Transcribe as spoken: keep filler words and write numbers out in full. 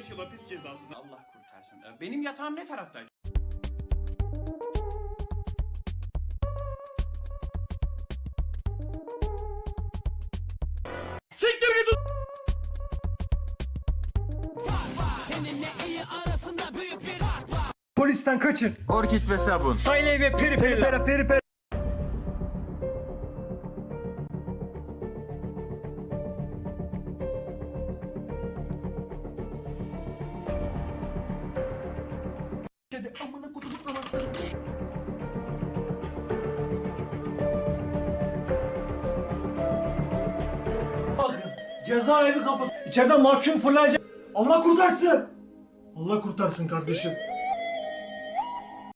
beş yıl hapis cezasını. Allah kurtarsın. Benim yatağım ne tarafta? Siktir git! Seninle iyi arasında büyük bir fark var. Polisten kaçın. Orkid ve sabun. Sayley ve peri peri peri peri peri. Amına kutumu anahtarı. Bakın cezaevi kapısı. İçeriden mahkum fırlayacak. Allah kurtarsın. Allah kurtarsın kardeşim.